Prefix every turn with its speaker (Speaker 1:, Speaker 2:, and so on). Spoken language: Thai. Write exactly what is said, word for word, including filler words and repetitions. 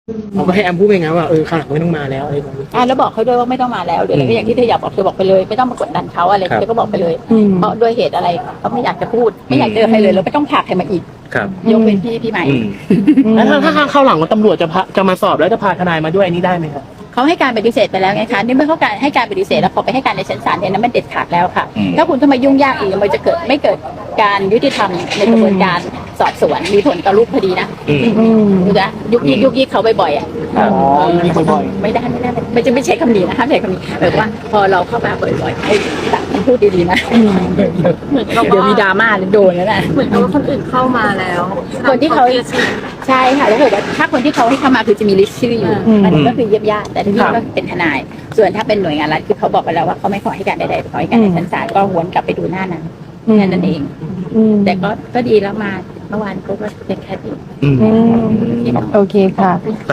Speaker 1: เขาก็ให้แอมพูดไปงั้นว่าเออข้างหลังไม่ต้องมาแล้วอะไรแบบนี้
Speaker 2: อ่าแล้วบอกเขาด้วยว่าไม่ต้องมาแล้วหรืออะไรก็อย่างที่เธออยากบอกเธอบอกไปเลยไม่ต้องมากดดันเขาอะไรเธอก็บอกไปเลยเพราะด้วยเหตุอะไรเขาไม่อยากจะพูดไม่อยากเจอใครเลยแล้วไม่ต้องพาใครมาอีก
Speaker 3: ครับ
Speaker 2: ยกเว้นพี่พี่ใหม่
Speaker 3: อืม
Speaker 1: แล้วถ้าถ้าเข้าหลังว่าตำรวจจะพาจะมาสอบแล้วจะพาทนายมาด้วยอันนี้ได้ไหมครับ
Speaker 2: เขาให้การปฏิเสธไปแล้วไงคะนี่เมื่อเขาการให้การปฏิเสธแล้วพอไปให้การในชั้นศาลเนี่ยนั้นมันเด็ดขาดแล้วค่ะ
Speaker 3: อืม
Speaker 2: ถ้าคุณจะมายุ่งยากอีกมันจะเกิดไม่เกิดการยุติธรรมในกระบวนการสอบสวนมีผลต่อรูปคดีนะ
Speaker 3: อืม
Speaker 2: ดูนะยุกยิกยุกยิกเขาบ่อยๆอ่ะ
Speaker 1: อ๋อมีบ่อย
Speaker 2: ไม่ได้ไม่ได้ไม่จะไม่ใช้คำนี้นะห้ามใช้คำนี้แบบว่าพอเราเข้ามาบ่อยๆให้ตัดคำพูดดีๆนะ
Speaker 4: เหมือนเขา
Speaker 2: เดี๋ยวมีดราม่าโดนแล้วนะ
Speaker 4: เหมือนกับว่าคนอื่นเข้ามาแล้ว
Speaker 2: คนที่เขาใช่ค่ะแล้วบอกว่าถ้าคนที่เขาให้เข้ามาคือจะมีลิสต์ชื่ออยู่อันนี้ก็คือเยียบญาติแต่ที่นี่ก็เป็นทนาย ส่วนถ้าเป็นหน่วยงานรัฐคือเขาบอกไปแล้วว่าเขาไม่ขอให้การใดๆขอให้การในชั้นศาลก็หวนกลับไปดูหน้านั้นแค่นั้นเอง แต่ก็ก็ดีแล้วมาเมื่อวานก็เป็นแค่ดี
Speaker 3: อืม
Speaker 2: ที่น้อง
Speaker 5: โอเคค่ะ